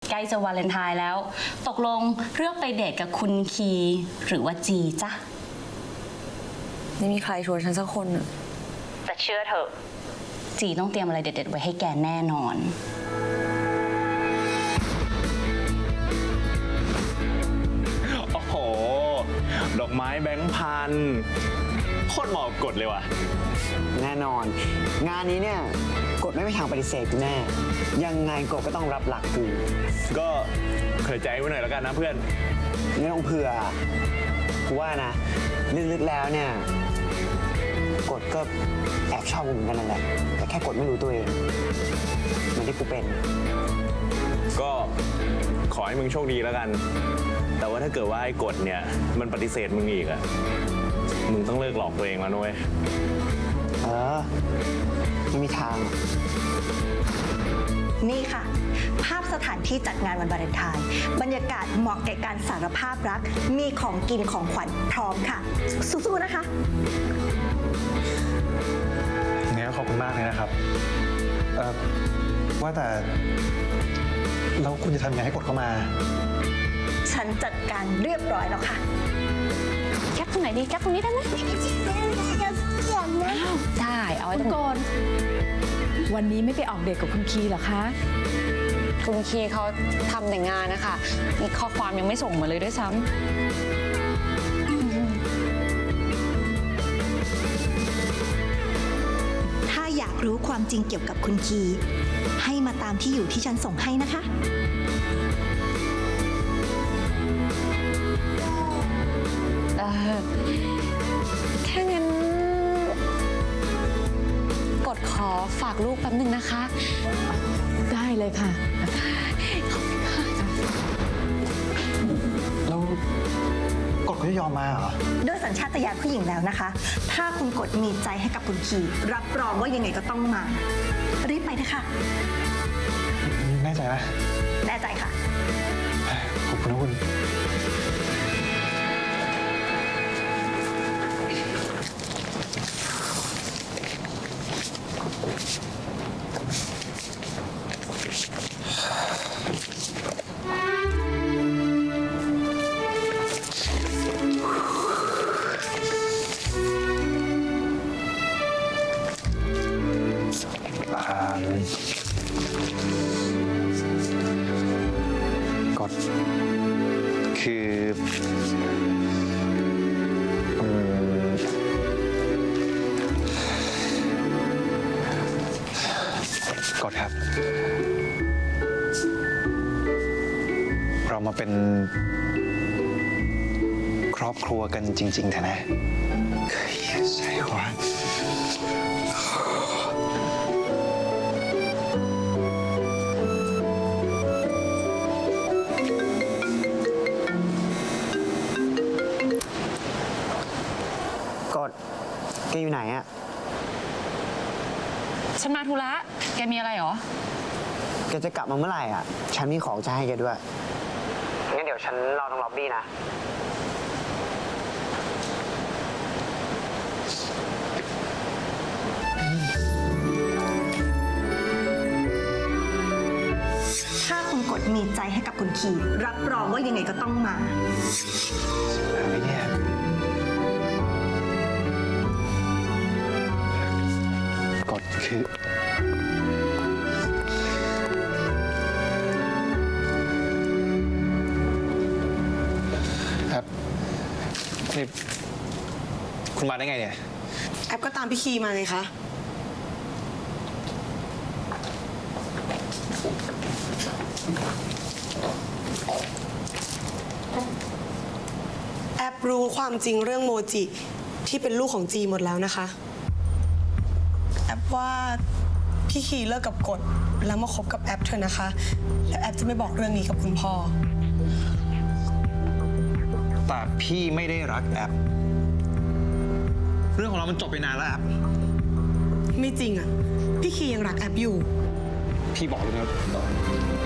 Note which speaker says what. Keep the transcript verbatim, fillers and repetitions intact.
Speaker 1: ใกล้จะวาเลนไทน์แล้วตกลงเลือกไปเดทกับคุณคีหรือว่าจีจ๊ะ
Speaker 2: ไม่มีใครชวนฉันสักคนอะ
Speaker 1: แต่เชื่อเถอะจีต้องเตรียมอะไรเด็ดๆไว้ให้แกแน่นอน
Speaker 3: โอ้โหดอกไม้แบงค์พันโคตรเหมาะกับกฎเลยว่ะ
Speaker 4: แน่นอนงานนี้เนี่ยกฎไม่มีทางปฏิเสธกูแน่ยังไงกฎก็ต้องรับหลักกู
Speaker 3: ก็เผื่อใจไว้หน่อยแล้วกันนะเพื่อน
Speaker 4: ไม่ต้องเผื่อกูว่านะลึกๆแล้วเนี่ยกฎก็แอบชอบกูเหมือนกันนั่นแหละแต่แค่กฎไม่รู้ตัวเองเหมือนที่กูเป็น
Speaker 3: ก็ขอให้มึงโชคดีแล้วกันแต่ว่าถ้าเกิดว่าไอ้กฎเนี่ยมันปฏิเสธมึงอีกอะมึงต้องเลิกหลอกตัวเองแล้วนุ้ย
Speaker 4: เออไม่มีทาง
Speaker 5: นี่ค่ะภาพสถานที่จัดงานวันวาเลนไทน์บรรยากาศเหมาะแก่การสารภาพรักมีของกินของขวัญพร้อมค่ะสู้ๆนะคะ
Speaker 6: งั้นขอบคุณมากเลยนะครับเอ่อว่าแต่แล้วคุณจะทำยังไงให้กดเข้ามา
Speaker 5: ฉันจัดการเรียบร้อยแล้วค่ะ
Speaker 1: แคปตรงไหนดีแคปตรงนี้ได้ไหมได้เอาไว้ตรง
Speaker 2: ก่อนวันนี้ไม่ไปออกเดทกับคุณคีเหรอคะคุณคีเขาทำแต่งงานนะคะมีข้อความยังไม่ส่งมาเลยด้วยซ้
Speaker 5: ำถ้าอยากรู้ความจริงเกี่ยวกับคุณคีให้มาตามที่อยู่ที่ฉันส่งให้นะคะ
Speaker 2: ถ้างั้นกดขอฝากลูกแป๊บนึงนะคะได้เลยค่ะ
Speaker 6: แล้วกดเขาจะยอมมาเหรอ
Speaker 5: ด้วยสัญชาตญาณผู้หญิงแล้วนะคะถ้าคุณกดมีใจให้กับคุณคีรับรองว่ายังไงก็ต้องมารีบไปเถอะค่ะ
Speaker 6: แน่ใจนะ
Speaker 5: แน่ใจค่ะ
Speaker 6: ขอบคุณนะคุณกดคืออืมกดครับเรามาเป็นครอบครัวกันจริงๆเถอะนะใช่หวะ
Speaker 4: กฎแกอยู่ไหนอะ
Speaker 2: ฉันมาธุระแกมีอะไรหรอ
Speaker 4: แกจะกลับมาเมื่อไหร่อ่ะฉันมีของจะให้แกด้วยงั้นเดี๋ยวฉันรอตรงล็อบบี้นะ
Speaker 5: ถ้าคุณกดมีใจให้กับคุณคีรับรองว่ายังไงก็ต้องมา
Speaker 6: ไม่เนี่ยกดคือครับนี่คุณมาได้ไงเนี่ย
Speaker 7: แอปก็ตามพี่คีมาไงคะแอปรู้ความจริงเรื่องโมจิที่เป็นลูกของจีหมดแล้วนะคะแอปว่าพี่คีเลิกกับกฎแล้วมาคบกับแอปเธอนะคะแล้วแอปจะไม่บอกเรื่องนี้กับคุณพ่อ
Speaker 6: แต่พี่ไม่ได้รักแอปเรื่องของเรามันจบไปนานแล้วแอป
Speaker 7: ไม่จริงอ่ะพี่คียังรักแอปอยู่
Speaker 6: พี่บอกเลยนะ